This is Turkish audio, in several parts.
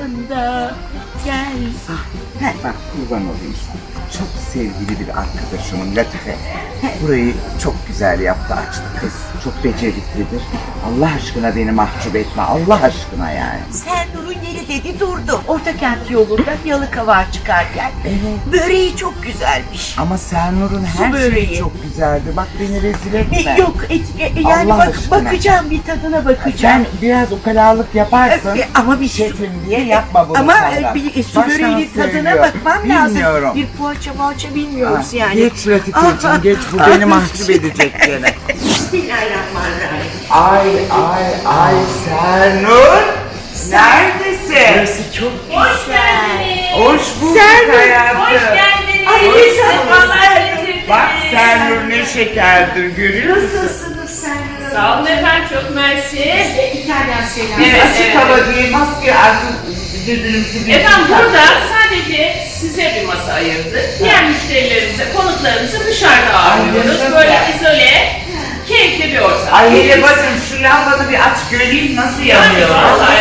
yanında gel. Bak kurban olayım sana. Çok sevgili bir arkadaşımın Latife. Burayı çok güzel yaptı, açtı kız. Çok beceriklidir. Allah aşkına beni mahcup etme. Allah aşkına yani. Sernur'un yeri dedi durdu. Ortakent yolunda Yalıkavak'a çıkarken. Evet. Böreği çok güzelmiş. Ama Sernur'un Su her böreği. şeyi çok güzeldi. Bak beni rezil etme. Yok yani Allah aşkına. bakacağım, bir tadına Sen bakacağım. biraz ukalalık yaparsın. Ama bir Şefim diye yapma bunu ama sonra. bir su Baştan böreğinin tadına söylüyorum. bakmam lazım. Bilmiyorum. Bir poğaça bilmiyoruz Ah, yani. Geç Latifeciğim geç, bu beni mahcup edecek gene. Bismillahirrahmanirrahim. Ay Sernur. Neredesin? Burası çok güzel. Hoş bulduk Sernur, hayatım. Hoş geldiniz. Ay, Hoş sefalar Sernur. getirdiniz. Bak Sernur ne şekerdir görüyor musun? Nasılsınız Sernur? Sağ olun efendim, çok mersi. İtalyan selam. Biz Evet, açık evet. hava değil, maske artık birbirimizi Efendim burada sadece size bir masa ayırdık. Diğer müşterilerimize, konuklarımızı dışarıda ağırlıyoruz. yaşasın. Böyle izole, keyifli bir ortam. Ay hele bakın şu lambanı bir aç göreyim nasıl yanıyor. Vallahi.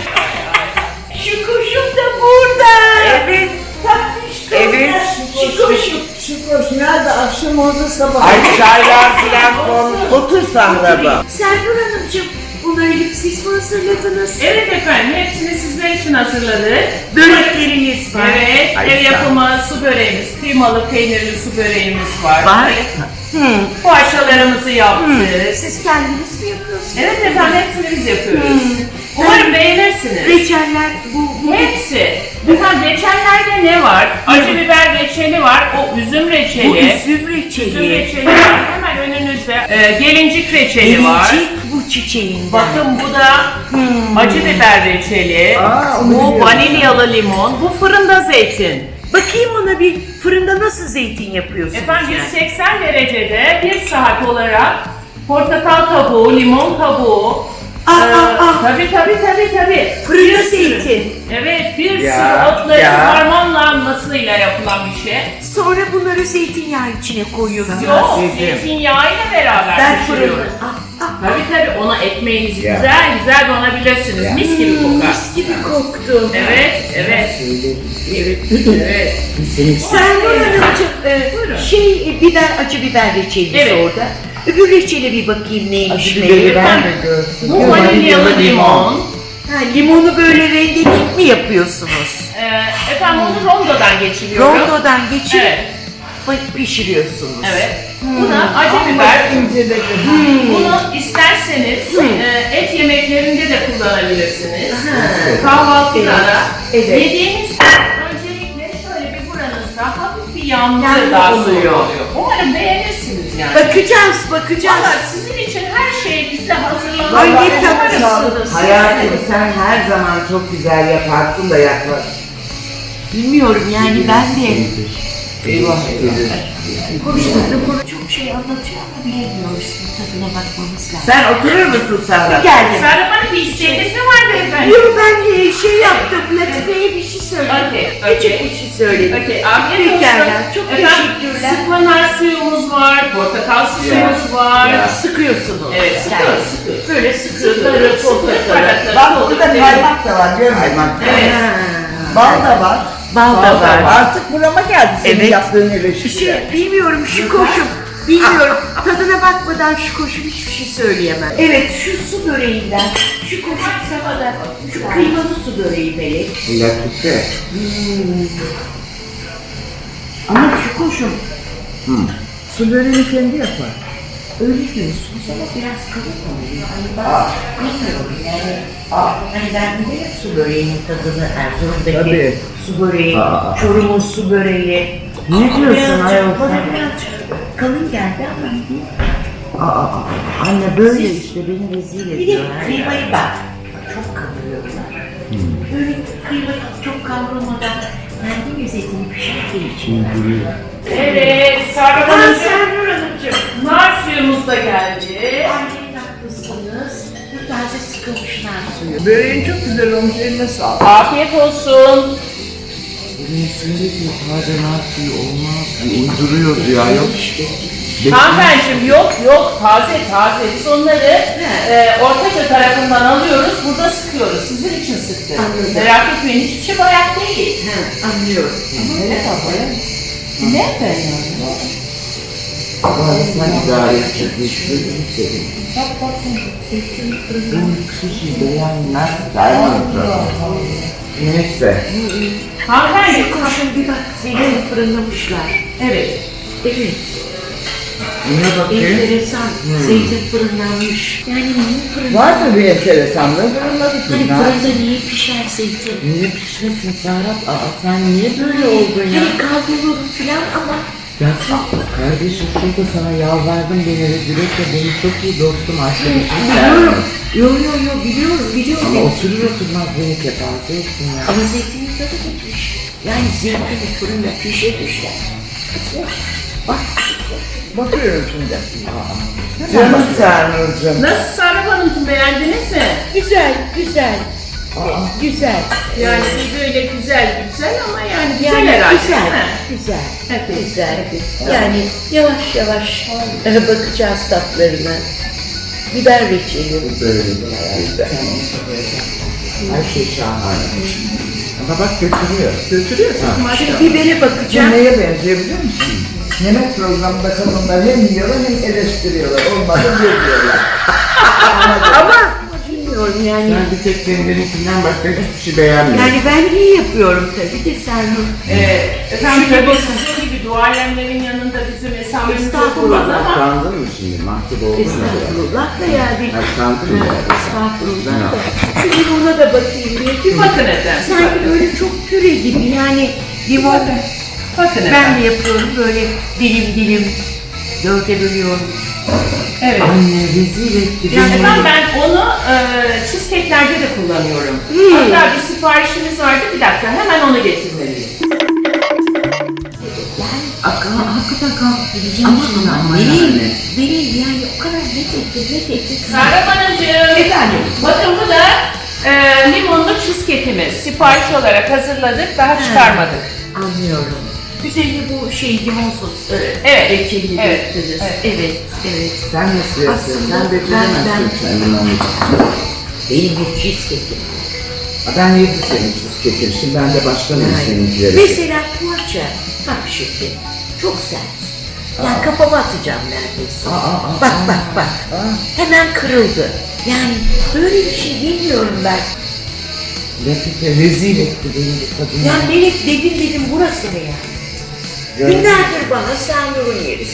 Şu kuşum da burada. Evet. Tatlıştım. Evet. Şu kuşum. Şukoş nerede? Akşam oldu sabah. Ay çaylar filan konmuş. Otur sahraba. Sernur Hanımcığım, bunları hep siz mi hazırladınız? Evet efendim, hepsini sizler için hazırladık. Börekleriniz var. Evet, Ay, ev sağ ol. yapımı su böreğimiz, kıymalı peynirli su böreğimiz var. Var. Poğaçalarımızı yaptık. Siz kendiniz mi yapıyorsunuz? Evet efendim, hepsini biz yapıyoruz. Umarım beğenirsiniz. Reçeller bu Hepsi. Efendim reçellerde ne var? Acı biber reçeli var, o üzüm reçeli. bu üzüm Üzüm reçeli. reçeli var. Hemen önünüzde. Gelincik reçeli var. Gelincik bu çiçeğinden. Bakın bu da acı biber reçeli. Aa, onu Bu biliyorum. vanilyalı limon. Bu fırında zeytin. Bakayım ona, bir fırında nasıl zeytin yapıyorsunuz? Efendim yani? 180 derecede 1 saat olarak portakal kabuğu, limon kabuğu. Tabii. Fırında Bir sürü- zeytin. Evet, bir Ya, sürü otların ya. harmanlanmasıyla yapılan bir şey. Sonra bunları zeytinyağı içine koyuyorsunuz. Yok, Dedim. zeytinyağıyla beraber Ben fırında. pişiriyoruz. Tabii ona ekmeğinizi Ya. güzel donabilirsiniz. Ya. Mis gibi kokar. Mis gibi koktu. Evet. Sernur Hanımcığım, Buyurun. biber, acı biber reçeliniz Evet. orada. Öbür reçele bir bakayım neymiş Acı meğer. biberi ben Efendim, de görsün. Bu vanilyalı limon. Ha, limonu böyle rendeleyip mi yapıyorsunuz? Efendim onu rondodan geçiriyorum. Rondodan geçirip Evet. pişiriyorsunuz. Evet. Buna acı biber. Bunu isterseniz et yemeklerinde de kullanabilirsiniz. Kahvaltıda da. Evet. Yediğiniz öncelikle şöyle bir buranızda hafif bir yağmur Yağmur daha oluyor. oluyor. Umarım beğenirsiniz yani. Bakacağız. Valla sizin için her şey bizde hazırlanıyor. Ay ne Umarım- tatlısınız. Hayatım sen her zaman çok güzel yaparsın da yaklaş. Bilmiyorum yani, ben de Eyvah. konuştuğum çok şey anlatıyor ama bilemiyoruz. Tadına bakmamız lazım. Sen oturur musun Serhat? Geldim. Serap Hanım bir isteğiniz mi vardı efendim? Yok, ben şey yaptım, Latife'ye bir şey söyledim. Okey, Küçük okey. bir şey söyledim. Okey, afiyet olsun. Pekala, çok Efendim, teşekkürler. sıkma nar suyumuz var, portakal suyumuz var. Ya. Sıkıyorsunuz. Evet, Yani. sıkıyoruz. Böyle sıkıyorlar, portakalı. Bak burada kaymak da var görmedin. Kaymak. Evet. Bal da var. Bal da var. Artık burama geldi senin Evet. yaptığın eleştiri. Bilmiyorum şu koşum. Bilmiyorum. Tadına bakmadan şu koşum hiçbir şey söyleyemem. Evet, şu su böreğinden, şu koşum sabada, şu kıymalı su böreği melek. Latife. Ama şu koşum Su böreğini kendi yapar. öyle diyorsunuz ama biraz kalın oluyor. Hani ben bilmiyorum yani. Hani ben bilirim su böreğinin tadını, Erzurum'daki Tabii. su böreği, Çorum'un su böreği. Ne diyorsun Birazcık, ayol bana sen? birazcık kalın geldi ama değil. Anne böyle Siz- işte beni rezil Bir de ediyorlar. kıymayı bak, çok kavuruyorlar. Böyle kıymayı çok kavrulmadan kendi lezzetini pişirdiği için. Evet, Serap Ben Hanımcığım, Sernur Hanımcığım. nar suyumuz da geldi. Annenin haklısınız. Bu taze sıkılmış nar suyu. Böreğin çok güzel olmuş, eline sağlık. Afiyet olsun. Birisinde diyor taze nar suyu olmaz diyor. Uyduruyor diyor ayol. Hanımefendiciğim yok taze. Biz onları Ortaköy tarafından alıyoruz, burada sıkıyoruz. Sizin için sıktık. Anladım. Merak etmeyin, hiçbir şey bayat değil. Anlıyorum. Ne efendim? Sen idare edecek bir şey değil. Bu kişi beğenmez. Neyse. Hanımefendi, Koşun bir bak, zeytin fırınlamışlar. evet. Evet, Neye bakayım? enteresan. Zeytin fırınlanmış. Yani niye fırınlanmış? Var mı bir enteresanlığı? Fırınladık. Hani fırında niye pişer zeytin? Niye pişmesin Serap? Sen niye böyle oldun ya? Hani kavrulur filan ama Ya kardeşim şurada sana yalvardım beni rezil etme. Benim çok iyi dostum arkadaşım biliyorum. Serap. Biliyorum. Ama oturur oturmaz beni kepaze ettin ya. Ama zeytinin tadı gitmiş. Yani zeytini fırında pişirmişler. Bak. Bakıyorum şimdi. Canım Sernur'cum. Nasıl Serap Hanımcığım, beğendiniz mi? Güzel. Yani böyle güzel ama yani güzel Yani herhalde güzel. değil mi? Güzel. Evet. Güzel. Yani yavaş yavaş bakacağız tatlarına. Biber reçeli. Böyle güzel. Her şey şahane. Ama bak götürüyor. Şimdi bibere Bu bakacağım. neye benziyor biliyor musun? Yemek programında kadınlar hem yiyorlar hem eleştiriyorlar. Olmadı diyorlar. Ama bilmiyorum yani. Sen bir tek kendinikinden başka hiçbir şey beğenmiyorsun. Yani ben iyi yapıyorum tabii de Sernur. Efendim tabii sizin gibi duayenlerin yanında bizim esamemiz okunmaz ama Utandın mı şimdi? Mahcup oldun mu? Estağfurullah da yani. Utandın mı? Estağfurullah da. Şimdi buna da bakayım bir. bakın efendim. Sanki böyle çok püre gibi yani limon. Bakın Ben efendim. de yapıyorum böyle dilim dörde bölüyorum. Evet. Anne rezil etti Yani ben onu cheesecake'lerde de kullanıyorum. Hatta bir siparişimiz vardı. Bir dakika hemen onu getirmeliyim. Hakikaten kalkıp gideceğim Ama vereyim yani o kadar net etti. Serap Hanımcığım. Efendim? Bakın bu da limonlu cheesecake'imiz. Sipariş olarak hazırladık. Daha çıkarmadık. Anlıyorum. Üzerine bu limon sos, Evet, reçeli evet, döktünüz. evet. Evet. Sen nasıl yapıyorsun? Aslında Sen beceremezsin kendin onu. Benim bir cheesecake'im. Ben yedim senin cheesecake'ini. Şimdi ben de başlamayayım seninkileri. Mesela poğaça. Bak şimdi. Çok sert. Yani kafama atacağım neredeyse. Bak. Hemen kırıldı. Yani böyle bir şey bilmiyorum ben. Latife rezil etti beni bu kadın. Yani Melek dedim burası mı yani? Günlerdir bana Sernur'un yeri.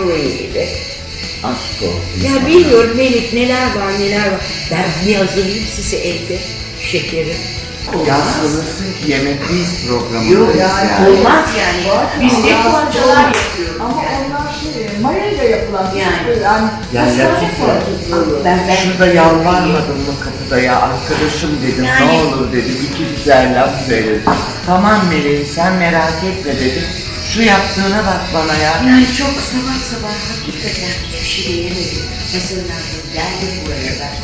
Aşk olsun. Ya bilmiyorum Melek neler var. Ben bir hazırlayayım size evde şekerim. Ya sanırsın ki yemekteyiz programında. Yok yani olmaz yani. Biz ne poğaçalar yapıyoruz. Ama onlar mayayla yapılan Yani. Ya Latife, şurada yalvarmadın mı kapıda ya? Arkadaşım dedim, Yani- ne olur dedim, iki güzel laf söyledim. Tamam Meleğim, sen merak etme dedim. Şu yaptığına bak bana ya. Yani çok sabah hakikaten hiçbir şey yemedim. Hazırlandım, geldim buraya ben.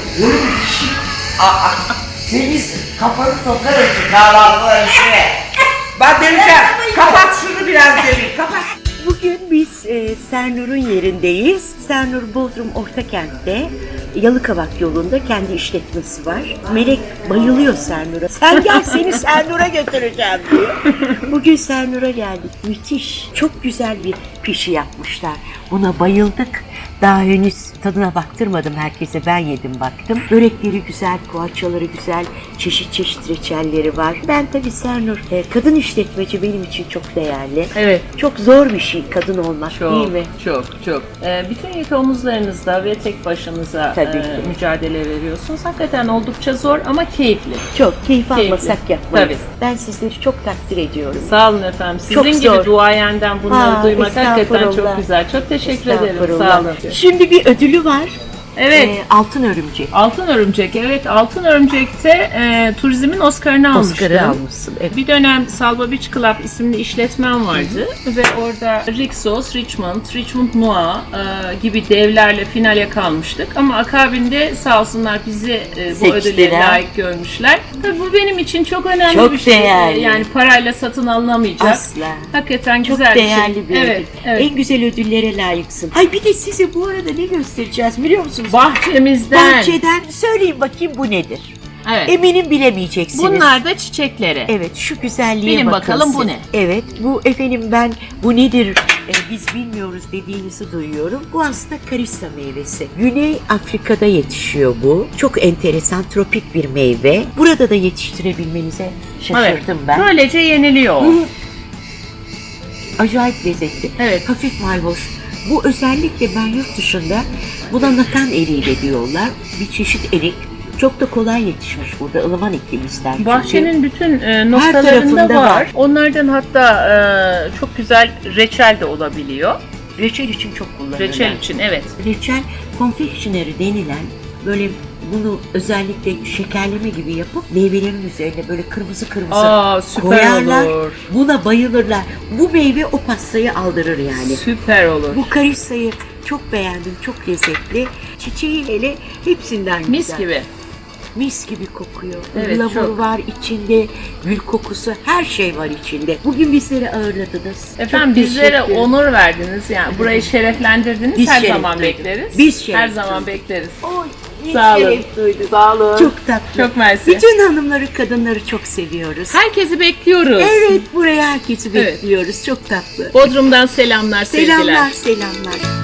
Senin kafanı sokarım şu kahvaltıların içine. Ben döneceğim. Kapat şunu biraz derin, kapat. Bugün biz Sernur'un yerindeyiz. Sernur Bodrum Ortakent'te Yalıkavak yolunda kendi işletmesi var. Melek bayılıyor Sernur'a. Sen gel seni Sernur'a götüreceğim diyor. Bugün Sernur'a geldik. Müthiş. Çok güzel bir pişi yapmışlar. Buna bayıldık. Daha henüz tadına baktırmadım herkese. Ben yedim baktım. Börekleri güzel, poğaçaları güzel, çeşit reçelleri var. Ben tabii Sernur, kadın işletmeci benim için çok değerli. Evet. Çok zor bir şey kadın olmak değil mi? Çok. Bütün yük omuzlarınızda ve tek başınıza Tabii ki. mücadele veriyorsunuz. Hakikaten oldukça zor ama keyifli. Çok keyif almasak yapmayız. Tabii. Ben sizleri çok takdir ediyorum. Sağ olun efendim. Sizin Çok gibi zor. duayenden bunları duymak hakikaten estağfurullah. çok güzel. Çok teşekkür ederim. Estağfurullah. Sağ olun. Şimdi bir ödülü var. Evet. Altın Örümcek. Altın Örümcek, evet. Altın Örümcek'te turizmin Oscar'ını almıştım. Oscar'ı almışsın. Evet. Bir dönem Salva Beach Club isimli işletmem vardı ve orada Rixos, Richmond Noir gibi devlerle finale kalmıştık. Ama akabinde sağ olsunlar bizi bu ödüle Seçtiler. layık görmüşler. Tabii bu benim için çok önemli Çok bir şey. değerli. Yani parayla satın alınamayacak. Asla. Hakikaten Çok güzel değerli bir bir şey. ödül. Evet, evet. En güzel ödüllere layıksın. Ay bir de size bu arada ne göstereceğiz biliyor musunuz? Bahçemizden. Bahçeden söyleyin bakayım bu nedir? Evet. Eminim bilemeyeceksiniz. Bunlar da çiçekleri. Evet şu güzelliğe Bilin bakın bakalım bu siz. ne? Evet bu efendim ben bu nedir biz bilmiyoruz dediğinizi duyuyorum. Bu aslında karissa meyvesi. Güney Afrika'da yetişiyor bu. Çok enteresan tropik bir meyve. Burada da yetiştirebilmenize şaşırdım ben. Böylece yeniliyor. Acayip lezzetli. Evet. Hafif mayhoş. Bu özellikle ben yurt dışında buna nakan eriği de diyorlar. Bir çeşit erik. Çok da kolay yetişmiş burada. ılıman iklim ister. çünkü. Bahçenin bütün noktalarında tarafında var. var. Onlardan hatta çok güzel reçel de olabiliyor. Reçel için çok kullanırlar. Reçel için, evet. Reçel confectionery denilen böyle bunu özellikle şekerleme gibi yapıp meyvelerin üzerine böyle kırmızı Aa, süper koyarlar. olur. Buna bayılırlar. Bu meyve o pastayı aldırır yani. Süper olur. Bu karissayı çok beğendim. Çok lezzetli. Çiçeği hele hepsinden güzel. Mis gibi. Mis gibi kokuyor. Evet, Ilamur çok. var içinde, gül kokusu, her şey var içinde. Bugün bizleri ağırladınız. Efendim Çok bizlere teşekkür ederim. onur verdiniz. Yani burayı şereflendirdiniz. Biz Her şeref zaman duyduk. bekleriz. Biz şeref Her zaman duyduk. bekleriz. Oy, ne Sağ olun. şeref duyduk. Sağ olun. Çok tatlı. Çok mersi. Bütün hanımları, kadınları çok seviyoruz. Herkesi bekliyoruz. Evet, buraya herkesi Evet. bekliyoruz. Çok tatlı. Bodrum'dan selamlar, sevgiler. Selamlar, selamlar.